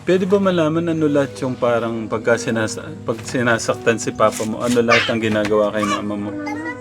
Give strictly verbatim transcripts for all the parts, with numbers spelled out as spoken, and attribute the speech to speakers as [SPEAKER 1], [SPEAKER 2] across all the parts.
[SPEAKER 1] Pwede ba malaman ano lahat yung parang pagka sinasa, pag sinasaktan si papa mo, ano lahat ang ginagawa kay mama mo?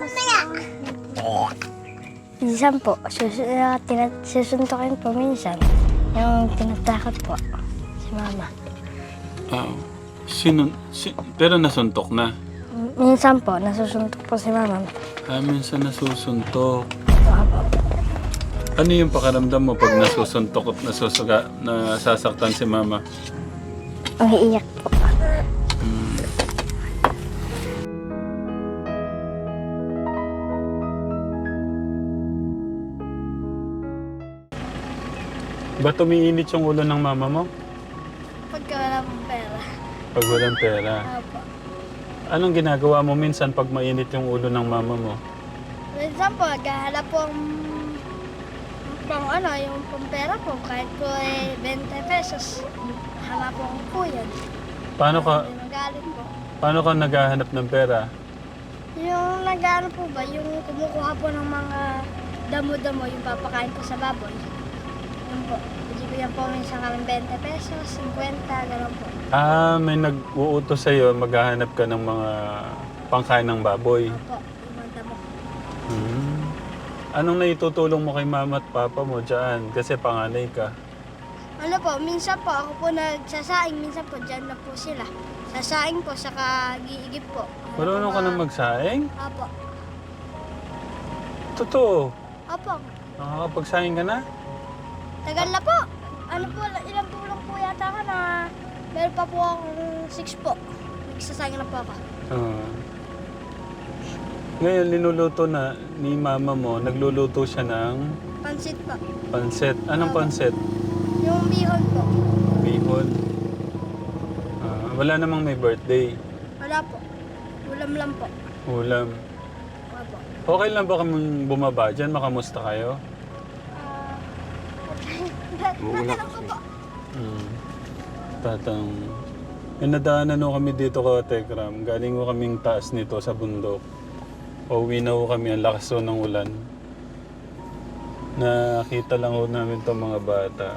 [SPEAKER 2] Minsan po, sus uh, tina- susuntokin po minsan. Yung tinatakot po si mama.
[SPEAKER 1] Ah, sino, si, pero nasuntok na.
[SPEAKER 2] M- Minsan po, nasusuntok po si mama.
[SPEAKER 1] Ah, minsan nasusuntok.
[SPEAKER 2] Opo.
[SPEAKER 1] Ano yung pakaramdam mo pag nasusuntok at nasusuga, nasasaktan si mama?
[SPEAKER 2] Ang iiyak po.
[SPEAKER 1] Ba't umiinit yung ulo ng mama mo?
[SPEAKER 2] Pagka wala pong pera.
[SPEAKER 1] Pag walang pera.
[SPEAKER 2] Opo.
[SPEAKER 1] Anong ginagawa mo minsan pag mainit yung ulo ng mama mo?
[SPEAKER 2] Minsan po, naghahanap po ang pang ano, yung pang pera po. Kahit po eh, twenty pesos. Hanap po ang po yan.
[SPEAKER 1] Paano ka,
[SPEAKER 2] Hindi magalit po.
[SPEAKER 1] paano ka naghahanap ng pera?
[SPEAKER 2] Yung nag-ano po ba, yung kumukuha po ng mga damo-damo, yung papakain po sa baboy. Yun po. Bigyan po minsan kami twenty pesos, fifty, gano'n po.
[SPEAKER 1] Ah, may nag-uutos sa'yo, maghahanap ka ng mga pangkain ng baboy.
[SPEAKER 2] Opo, yung mga damo.
[SPEAKER 1] Hmm. Anong naitutulong mo kay mama at papa mo dyan? Kasi panganay ka.
[SPEAKER 2] Ano po, minsan po ako po nagsasaing, minsan po dyan na po sila. Sasaing po, saka giigib po. Ano
[SPEAKER 1] Marunong
[SPEAKER 2] po,
[SPEAKER 1] ka
[SPEAKER 2] mga-
[SPEAKER 1] nang magsaing?
[SPEAKER 2] Opo.
[SPEAKER 1] Totoo.
[SPEAKER 2] Opo.
[SPEAKER 1] Nakakapagsaing ka na?
[SPEAKER 2] Tagal na po. Ano po, ilang po lang po yata ka na meron pa po akong six po. Nagsasaing na po ako.
[SPEAKER 1] Oo. Ngayon, linuluto na ni mama mo, nagluluto siya ng
[SPEAKER 2] Pansit po.
[SPEAKER 1] pansit. Anong pansit?
[SPEAKER 2] Yung bihon po.
[SPEAKER 1] Bihon. Ah, wala namang may birthday.
[SPEAKER 2] Wala po. Ulam lang po.
[SPEAKER 1] Ulam.
[SPEAKER 2] Opo.
[SPEAKER 1] Okay lang ba kaming bumaba dyan? Makamusta kayo?
[SPEAKER 2] Ah, Tatanong ko po.
[SPEAKER 1] Hmm. Tatang. Eh, nadaanan ho kami dito ka Tekram. Galing ho kaming taas nito sa bundok. Pauwi na ho kami. Ang lakas ho ng ulan. Nakita lang ho namin itong mga bata.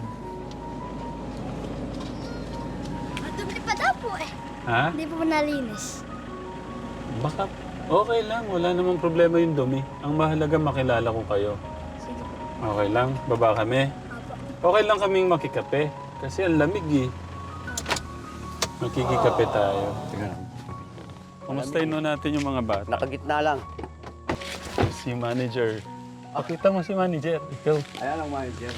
[SPEAKER 2] Madumi pa daw po eh.
[SPEAKER 1] Ha?
[SPEAKER 2] Hindi po nalinis.
[SPEAKER 1] Baka okay lang. Wala namang problema yung dumi. Ang mahalaga makilala ko kayo.
[SPEAKER 2] Sige po.
[SPEAKER 1] Okay lang. Baba kami.
[SPEAKER 2] Opo.
[SPEAKER 1] Okay lang kaming makikape. Kasi ang lamig eh. Makikikape tayo. Kamustahin mo natin yung mga bata.
[SPEAKER 3] Nakagitna lang.
[SPEAKER 1] Si manager. Pakita mo si manager. Ikaw.
[SPEAKER 3] Ayan ang manager.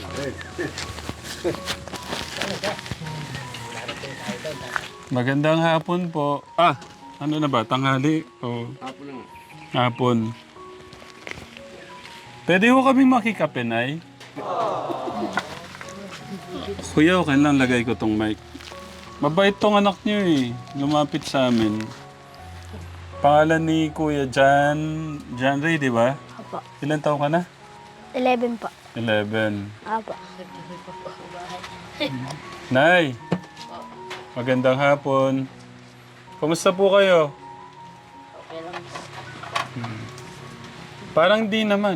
[SPEAKER 1] Magandang hapon po. Ah, ano na ba? Tanghali? O
[SPEAKER 3] Apo lang.
[SPEAKER 1] hapon. Pwede ko kami makikape, Nay? Kuya, okay lang lagay ko tong mic. Mabait tong anak niyo eh. Lumapit sa amin. Pangalan ni Kuya Jan... Jan Ray, di ba?
[SPEAKER 2] Opo.
[SPEAKER 1] Ilan taon ka na?
[SPEAKER 2] eleven po.
[SPEAKER 1] eleven.
[SPEAKER 2] Opo.
[SPEAKER 1] Nay! Magandang hapon. Kumusta po kayo? Hmm. Parang di naman.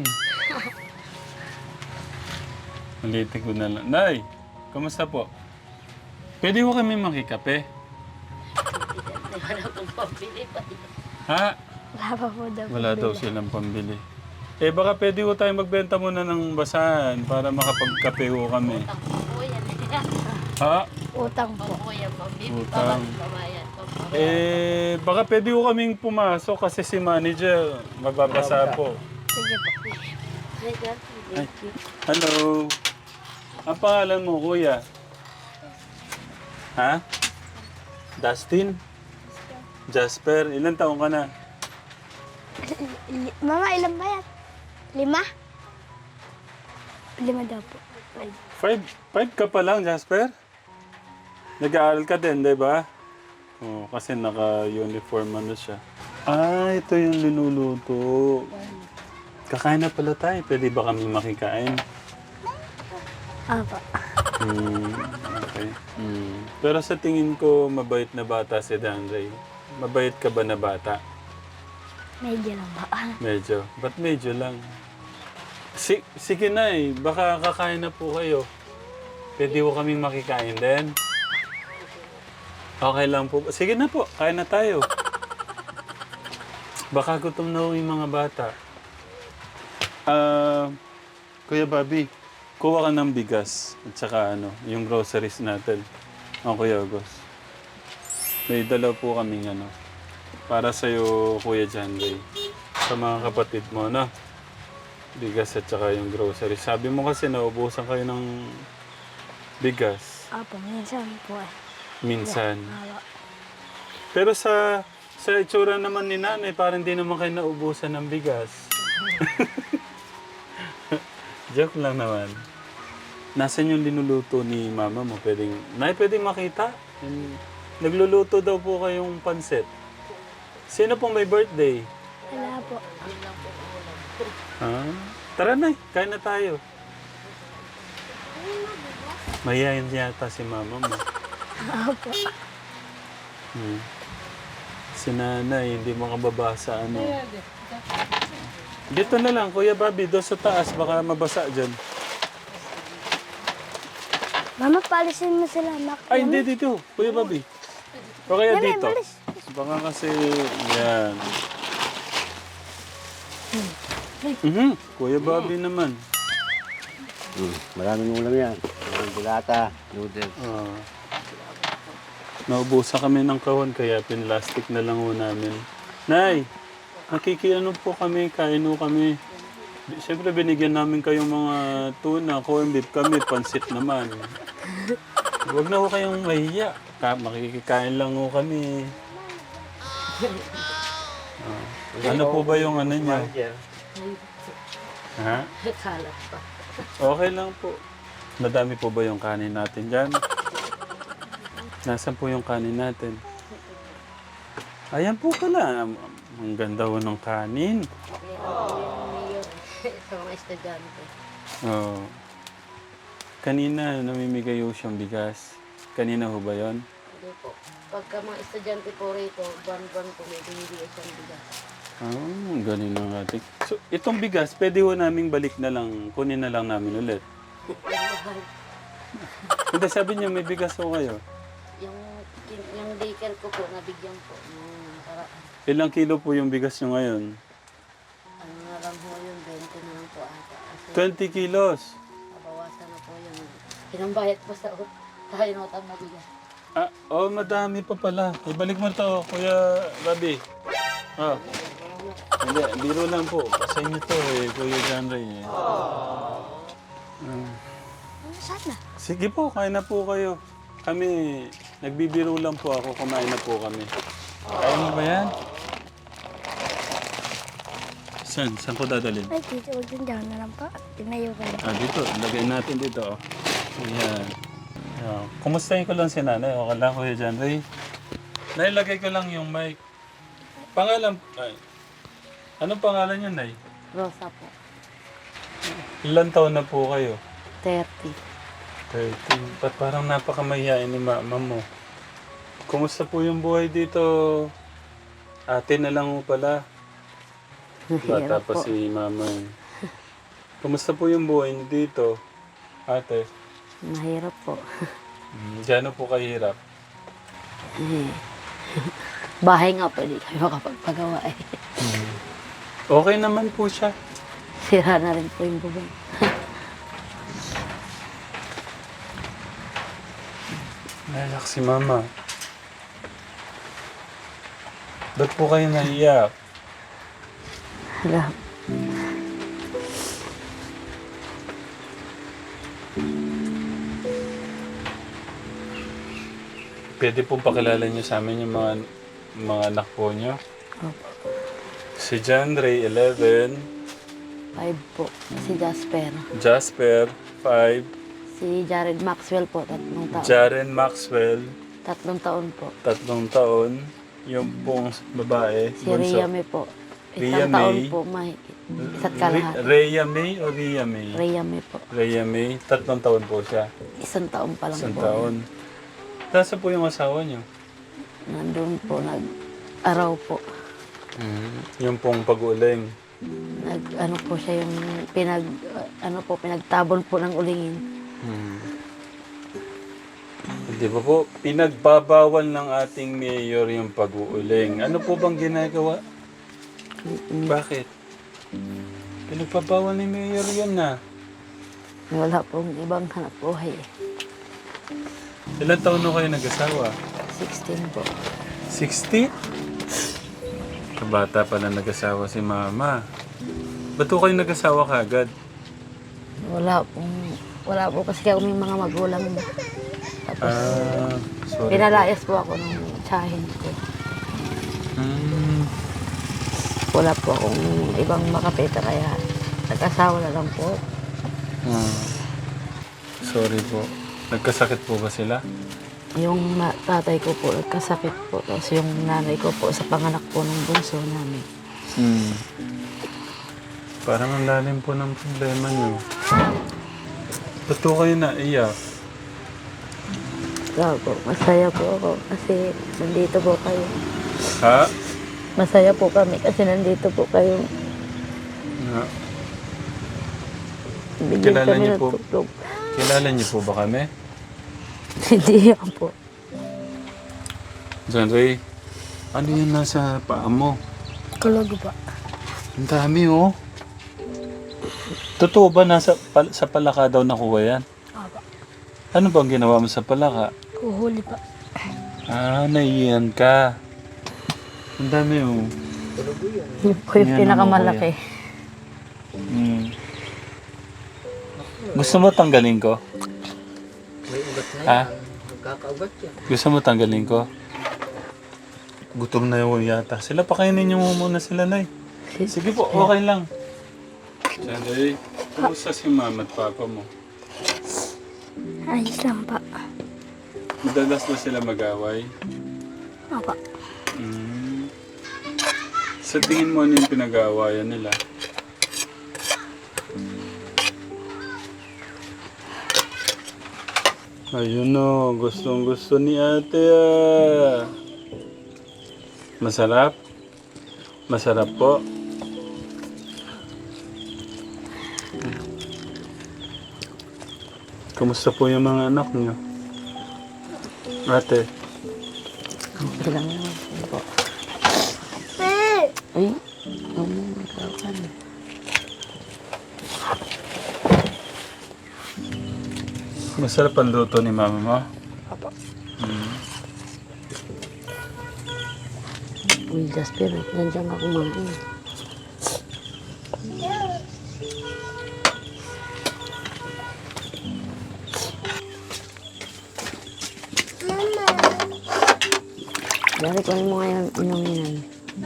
[SPEAKER 1] Ulitin ko na lang. Nay! Kumusta po? Pwede ko kami makikape? Ha?
[SPEAKER 2] Wala pa po daw.
[SPEAKER 1] Wala daw silang pambili. Eh baka pwede ko tayo magbenta muna ng basahan para makapagkape ko kami. Ha?
[SPEAKER 2] Utang po.
[SPEAKER 1] Utang. Eh, baka pwede ko kaming pumasok kasi si manager magbabasa po.
[SPEAKER 2] Sige po.
[SPEAKER 1] Ay. Hello. Ang pangalan mo, kuya? Ha? Dustin? Jasper, ilan taong ka na?
[SPEAKER 2] Li- Mama, ilan ba yan? Lima? Lima daw po. Five.
[SPEAKER 1] Five, five ka pa lang, Jasper? Nag-aaral ka din, di ba? Oo, kasi naka-uniform ano siya. Ah, ito yung linuluto. Kakain na pala tayo. Pwede ba kami makikain?
[SPEAKER 2] Opo.
[SPEAKER 1] Hmm, okay. Hmm. Pero sa tingin ko, mabait na bata si Danray. Mabait ka ba na bata?
[SPEAKER 2] Medyo lang po.
[SPEAKER 1] Medyo. Ba't medyo lang? Si sige na eh. Baka kakain na po kayo. Pwede ko kaming makikain din. Okay lang po. Sige na po, kain na tayo. Baka gutom na ho yung mga bata. Ah, Kuya Bobby, kuha ka ng bigas at saka ano, yung groceries natin. Ang Kuya August. May dalaw po kaming ano, para sa'yo, Kuya John Ray. Sa mga kapatid mo, no? Bigas at saka yung groceries. Sabi mo kasi naubusan kayo ng bigas.
[SPEAKER 2] Apo, minsan po eh.
[SPEAKER 1] Minsan.
[SPEAKER 2] Awa.
[SPEAKER 1] Pero sa sa itsura naman ni nanay, parang hindi naman kayo naubusan ng bigas. Joke lang naman. Nasaan yung linuluto ni mama mo? Pwedeng, nay, pwedeng makita? Yung- Nagluluto daw po kayong pansit. Sino pong may birthday?
[SPEAKER 2] Wala po.
[SPEAKER 1] Ha? Tara na, kain na tayo. Mayayin yata si mama mo.
[SPEAKER 2] Apo.
[SPEAKER 1] Hmm. Si nanay, hindi makababasa ano. Dito na lang, Kuya Bobby, doon sa taas, baka mabasa dyan.
[SPEAKER 2] Mama, palisin mo sila, anak.
[SPEAKER 1] Ay, hindi dito, Kuya Bobby. O kaya
[SPEAKER 2] Nanay,
[SPEAKER 1] dito.
[SPEAKER 2] balis.
[SPEAKER 1] Baka kasi, yan. Mhm, Kuya Bobby naman.
[SPEAKER 3] Hmm, maraming ulam yan. Maraming dilata, noodles.
[SPEAKER 1] Ah. Naubusan kami ng kahon, kaya pinlastic na lang ho namin. Nay, nakikiano po kami, kain ho kami. Siyempre binigyan namin kayong mga tuna, corned beef kami, pansit naman. Huwag na ho kayong mahiya. Ka makikikain lang ho kami. Ah. Ano po ba yung ano niya? Ha?
[SPEAKER 4] Kalat pa.
[SPEAKER 1] Okay lang po. Madami po ba yung kanin natin dyan? Nasaan po yung kanin natin? Ayan po pala. Ang ganda ho ng kanin.
[SPEAKER 4] Sa mga estudyante.
[SPEAKER 1] Oh. Kanina namimigay ho siyang bigas. Kanina ho ba yun?
[SPEAKER 4] Hindi po. Pagka mga estudyante po rito, buwan-buwan po may binibigay siyang bigas.
[SPEAKER 1] Oh, galing ng ating. So, itong bigas, pwede ho naming balik na lang. Kunin na lang namin ulit. Hindi, sabi niya may bigas ho kayo.
[SPEAKER 4] Yung, yung daycare ko po, nabigyan po. Yung nakaraan.
[SPEAKER 1] Ilang kilo po yung bigas nyo ngayon?
[SPEAKER 4] Ano na lang po yun, twenty na lang po ata. Kasi
[SPEAKER 1] twenty kilos.
[SPEAKER 4] nabawasan na po yung pinambayad po sa ut- tayo notang na bigas.
[SPEAKER 1] Ah, oh, madami pa pala. Ibalik mo to, Kuya Bobby. Ah. Hindi, biro lang po. Sa inyo to eh, Kuya John Ray eh. Ah.
[SPEAKER 2] Ano, sana?
[SPEAKER 1] Sige po, kain na po kayo. Kami, nagbibiro lang po ako, kumain na po kami. Kaya mo ba yan? Saan? Saan ko dadalhin?
[SPEAKER 2] Ay, dito, huwag din dyan na lang po. Tinayo ka lang.
[SPEAKER 1] Ah, dito. Lagay natin dito. Oh. Ayan. Ayan. Kumustahin ko lang si nanay. Okay lang, Kuya John Ray. Nailagay ko lang yung mic. Pangalan, ay. Anong pangalan niyo, Nay?
[SPEAKER 4] Rosa po.
[SPEAKER 1] Ilan taon na po kayo?
[SPEAKER 4] thirty.
[SPEAKER 1] thirty. Ba't parang napakamahiyain ni mama mo? Kumusta po yung buhay dito? Ate na lang mo pala. Bata
[SPEAKER 4] Mahirap
[SPEAKER 1] pa
[SPEAKER 4] po.
[SPEAKER 1] si mama. eh. Kumusta po yung buhay niyo dito? Ate,
[SPEAKER 4] Mahirap po.
[SPEAKER 1] mm, gaano po kahirap?
[SPEAKER 4] Bahay nga po, hindi kami makapagpagawa eh.
[SPEAKER 1] Okay naman po siya.
[SPEAKER 4] Sira na rin po yung bubong.
[SPEAKER 1] Naiyak si mama. Ba't po kayo naiyak?
[SPEAKER 4] Hala.
[SPEAKER 1] Pwede po pakilala niyo sa amin yung mga, mga anak po niyo?
[SPEAKER 4] Opo.
[SPEAKER 1] Si John Ray, eleven.
[SPEAKER 4] Five po. Si Jasper.
[SPEAKER 1] Jasper, five.
[SPEAKER 4] Si Jared Maxwell po, tatlong taon.
[SPEAKER 1] Jaren Maxwell,
[SPEAKER 4] Tatlong taon po.
[SPEAKER 1] tatlong taon. Yung pong babae,
[SPEAKER 4] Si
[SPEAKER 1] bunso.
[SPEAKER 4] Rhea May po.
[SPEAKER 1] Rhea
[SPEAKER 4] Isang taon
[SPEAKER 1] May.
[SPEAKER 4] po, mahigit. Isa't
[SPEAKER 1] Re-
[SPEAKER 4] kalahati.
[SPEAKER 1] Rhea May o Rhea May?
[SPEAKER 4] Rhea May po.
[SPEAKER 1] Rhea May, tatlong taon po siya.
[SPEAKER 4] Isang taon pa lang
[SPEAKER 1] Isang
[SPEAKER 4] po.
[SPEAKER 1] taon. Nasa po yung asawa niyo?
[SPEAKER 4] Nandun po, nag-araw po.
[SPEAKER 1] Yung pong pag-uling.
[SPEAKER 4] Nag, ano po siya yung pinag, ano po, pinagtabon po ng ulingin.
[SPEAKER 1] Hmm. Di ba po, pinagbabawal ng ating mayor yung pag-uuling. Ano po bang ginagawa? Bakit? Pinagbabawal ni mayor yan na.
[SPEAKER 4] Wala pong ibang hanap buhay eh.
[SPEAKER 1] Ilan taon na kayo nag-asawa?
[SPEAKER 4] sixteen po.
[SPEAKER 1] sixty? Kabata pala nag-asawa si mama. Ba't po kayo nag-asawa kagad?
[SPEAKER 4] Wala pong, wala po kasi kami mga magulang. Tapos,
[SPEAKER 1] Ah, sorry.
[SPEAKER 4] pinalayas po ako ng tsahin ko.
[SPEAKER 1] Hmm.
[SPEAKER 4] Wala po akong ibang makapita kaya nag-asawa na lang po.
[SPEAKER 1] Ah. Sorry po. Nagkasakit po ba sila?
[SPEAKER 4] Yung ma- tatay ko po nagkasakit po. Tapos yung nanay ko po sa panganak po ng bunso namin.
[SPEAKER 1] Hmm. Parang ang lalim po ng problema niyo. Ba't po kayo naiyak?
[SPEAKER 4] Kaya po, masaya po ako kasi nandito po kayo.
[SPEAKER 1] Ha?
[SPEAKER 4] Masaya po kami kasi nandito po kayo.
[SPEAKER 1] Na,
[SPEAKER 4] Bigyan
[SPEAKER 1] Kilala
[SPEAKER 4] kami
[SPEAKER 1] niyo
[SPEAKER 4] ng
[SPEAKER 1] po-
[SPEAKER 4] tulog.
[SPEAKER 1] kilala niyo po ba kami?
[SPEAKER 4] Hindi yan po.
[SPEAKER 1] John Ray, ano yan nasa paa mo?
[SPEAKER 2] Kulugo po.
[SPEAKER 1] Ang dami oh. Totoo ba nasa pal- sa palaka daw nakuha yan?
[SPEAKER 2] Opo.
[SPEAKER 1] Ano bang ginawa mo sa palaka?
[SPEAKER 2] Huhuli po.
[SPEAKER 1] Ah, naiyan ka. Ang dami oh.
[SPEAKER 4] Yun po yung
[SPEAKER 1] Yan ang
[SPEAKER 4] pinakamalaki.
[SPEAKER 1] Hmm. Gusto mo tanggalin ko? Ha? Gusto mo tanggalin ko? Gutom na yun yata. Sila pakainin niyo muna sila, Nay. Sige po, okay lang. Sanday, kumusta si mama at papa mo?
[SPEAKER 2] Ayos lang po.
[SPEAKER 1] Madalas ba sila mag-away?
[SPEAKER 2] Opo.
[SPEAKER 1] Hmm. Sa tingin mo ano yung pinag-aawayan nila? Ayun o, gustong gusto ni ate ah. Masarap? Masarap po? Kumusta po yung mga anak niyo? Ate?
[SPEAKER 4] Okay lang naman po. Ay, ang magkakan.
[SPEAKER 1] Masarap ang luto ni mama mo?
[SPEAKER 2] Opo.
[SPEAKER 1] Hmm.
[SPEAKER 4] Uy, Jasper, nandiyan ka kumain. Dari ko mo ngayon inuminan.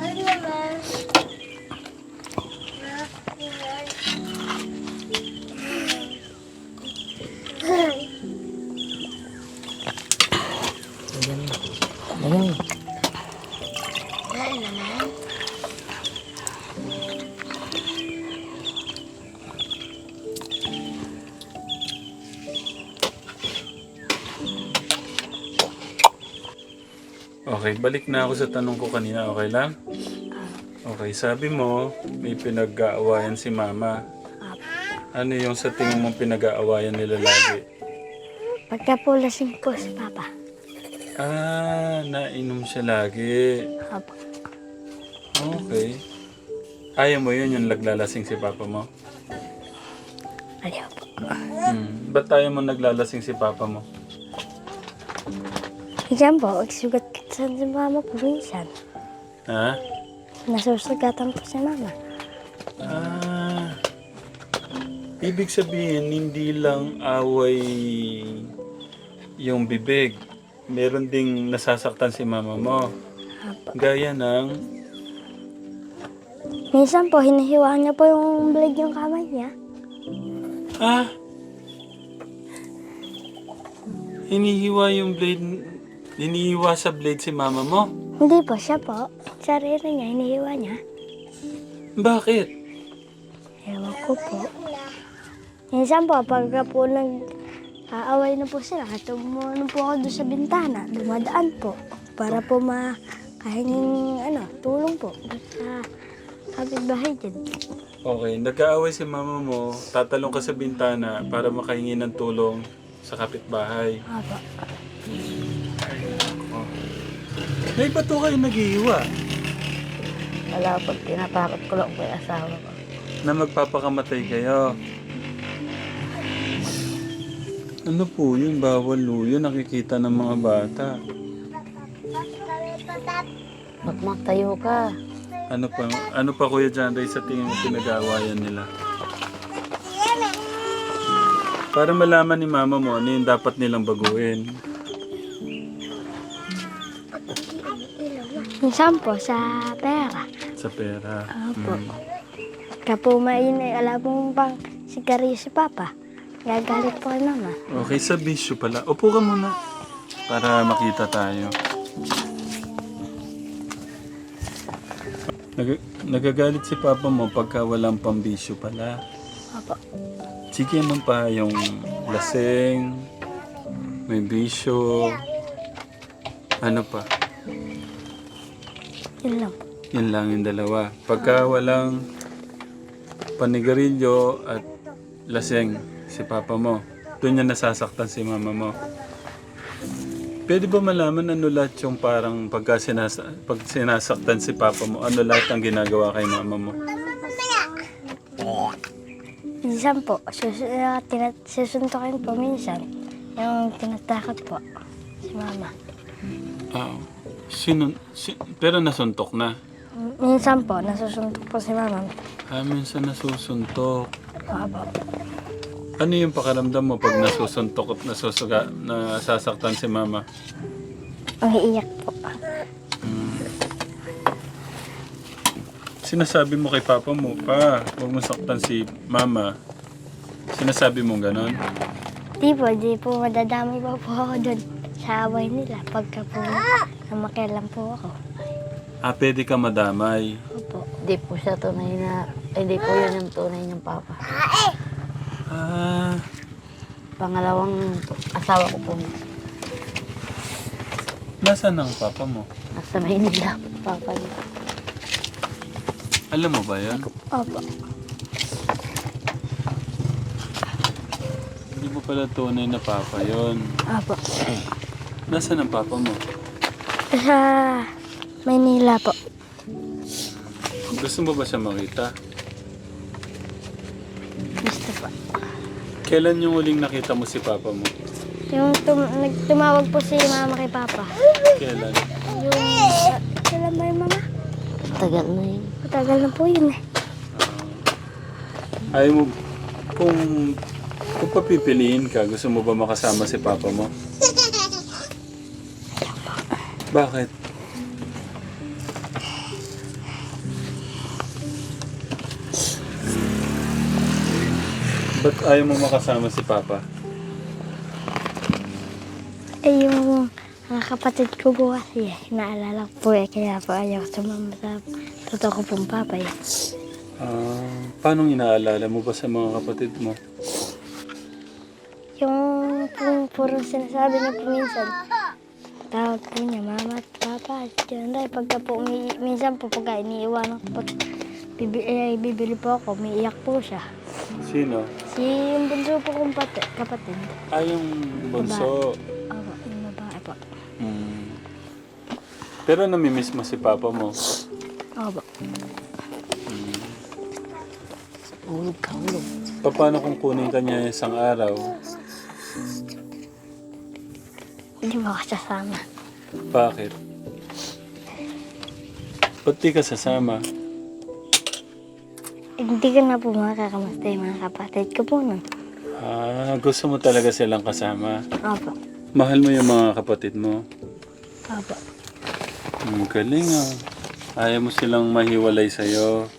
[SPEAKER 4] Ayan. Ayan.
[SPEAKER 1] Okay, balik na ako sa tanong ko kanina, okay lang? Okay, sabi mo, may pinag-aawayan si mama. Ano yung sa tingin mong pinag-aawayan nila lagi?
[SPEAKER 2] Pagka po lasing po si Papa.
[SPEAKER 1] Ah, nainom siya lagi.
[SPEAKER 2] Opo.
[SPEAKER 1] Okay. Ayaw mo yun, yung naglalasing si papa mo?
[SPEAKER 2] Ayaw po.
[SPEAKER 1] Hmm. Ba't ayaw mo naglalasing si papa mo?
[SPEAKER 2] Diyan po, agsugat sa si Mama po minsan.
[SPEAKER 1] Ha?
[SPEAKER 2] Nasusugatan po si Mama.
[SPEAKER 1] Ah. Ibig sabihin, hindi lang away yung bibig. Meron ding nasasaktan si mama mo.
[SPEAKER 2] Opo.
[SPEAKER 1] Gaya ng...
[SPEAKER 2] Minsan po, hinihiwa niya po yung blade yung kamay niya.
[SPEAKER 1] Ah! Hinihiwa yung blade... Hinihiwa sa blade si mama mo?
[SPEAKER 2] Hindi po, siya po. Sarili niya, hinihiwa niya.
[SPEAKER 1] Bakit?
[SPEAKER 2] Ewan ko po. Minsan po, pagka po nag... aaway na po sila, tumuno po ako doon sa bintana, dumadaan po. Para po makahinging ano, tulong po doon sa kapitbahay dyan.
[SPEAKER 1] Okay, nag-aaway si mama mo, tatalong ka sa bintana para makahingi ng tulong sa kapitbahay.
[SPEAKER 2] Opo.
[SPEAKER 1] Nay, ba't to kayo nag-iiwa?
[SPEAKER 4] Wala po, tinatakot ko lang po yung asawa ko.
[SPEAKER 1] Na magpapakamatay kayo. Ano po yun? Bawal po yun. Nakikita ng mga bata.
[SPEAKER 4] Magmatayo ka.
[SPEAKER 1] Ano pa, ano pa Kuya John Ray sa tingin mo pinag-aawayan nila? Para malaman ni mama mo ano yung dapat nilang baguhin.
[SPEAKER 2] Minsan po sa pera.
[SPEAKER 1] Sa pera.
[SPEAKER 2] Opo.
[SPEAKER 1] Mm.
[SPEAKER 2] Pagka po mainay, alam mo bang sigarilyo si Papa. Gagalit po kay Mama.
[SPEAKER 1] Okay, sa bisyo pala. Upo ka muna. Para makita tayo. Nag- nagagalit si Papa mo pagka walang pambisyo pala.
[SPEAKER 2] Opo.
[SPEAKER 1] Sige man pa yung laseng, may bisyo, ano pa?
[SPEAKER 2] Yun lang po.
[SPEAKER 1] Yan lang yung dalawa. Pagka walang panigarilyo at laseng si Papa mo, doon niya nasasaktan si Mama mo. Pwede ba malaman ano lahat yung parang pagka sinasa- pag sinasaktan si Papa mo, ano lahat ang ginagawa kay Mama mo?
[SPEAKER 2] Minsan po, sus uh, tinat susuntokin po minsan. Yung tinatakot po si Mama.
[SPEAKER 1] Ah, sino, si, pero nasuntok na.
[SPEAKER 2] Minsan po, nasusuntok po si Mama.
[SPEAKER 1] Ah, minsan nasusuntok.
[SPEAKER 2] Opo.
[SPEAKER 1] Ano yung pakaramdam mo pag nasusuntok at nasusuga, nasasaktan si Mama?
[SPEAKER 2] Ang iiyak po.
[SPEAKER 1] Sinasabi mo kay Papa mo, pa, huwag mo saktan si Mama. Sinasabi mo ganon?
[SPEAKER 2] Di po, di po madadamay pa po ako doon sa away nila. Pagka po namakialam po ako.
[SPEAKER 1] Ah, pwede ka madamay.
[SPEAKER 2] Opo.
[SPEAKER 4] Hindi po siya tunay na, ay hindi po yun yung tunay niyang papa.
[SPEAKER 1] Ah,
[SPEAKER 4] Pangalawang asawa ko po.
[SPEAKER 1] nasaan ang Papa mo?
[SPEAKER 4] Nasa Maynila po, papa niya.
[SPEAKER 1] Alam mo ba yan?
[SPEAKER 2] Opo.
[SPEAKER 1] Hindi mo pala tunay na Papa yon.
[SPEAKER 2] Opo.
[SPEAKER 1] Nasaan ang Papa mo?
[SPEAKER 2] Sa Maynila po.
[SPEAKER 1] Gusto mo ba siya makita?
[SPEAKER 2] Gusto po.
[SPEAKER 1] Kailan yung huling nakita mo si Papa mo?
[SPEAKER 2] Yung tum nagtumawag po si Mama kay Papa.
[SPEAKER 1] Kailan?
[SPEAKER 2] Yung... Kailan ba yung Mama?
[SPEAKER 4] Tagal na yun.
[SPEAKER 2] Matagal na po yun eh.
[SPEAKER 1] Ayaw mo, kung, kung papipiliin ka, gusto mo ba makasama si Papa mo? Bakit? Ba't ayaw mo makasama si Papa?
[SPEAKER 2] Eh yung mga kapatid ko po kasi eh, naalala ko po eh. Kaya po ayaw ko sumama sa totoo ko pong Papa eh.
[SPEAKER 1] Ah, paano inaalala mo ba sa mga kapatid mo?
[SPEAKER 2] Yung pong puro sinasabi niya po minsan. Tawag po niya, Mama at Papa. Diyan dahil pagka po, umi minsan po pagka iniiwanan ko po, bibi eh, bibili po ako, umiiyak po siya.
[SPEAKER 1] Sino?
[SPEAKER 2] Si yung bunso po kong pati, kapatid.
[SPEAKER 1] Ah, yung bunso.
[SPEAKER 2] Opo, yung babae po.
[SPEAKER 1] Hmm. Pero namimiss mo si Papa mo.
[SPEAKER 2] Opo.
[SPEAKER 4] Ulog ka, ulog.
[SPEAKER 1] Paano kung kunin ka niya isang araw?
[SPEAKER 2] Hindi mo ako sasama.
[SPEAKER 1] Bakit? Ba't di ka sasama?
[SPEAKER 2] Hindi ka na po makakamusta yung mga kapatid ko po nun.
[SPEAKER 1] Ah, gusto mo talaga silang kasama.
[SPEAKER 2] Opo.
[SPEAKER 1] Mahal mo yung mga kapatid mo.
[SPEAKER 2] Opo.
[SPEAKER 1] Ang galing ah. Ayaw mo silang mahiwalay sa'yo.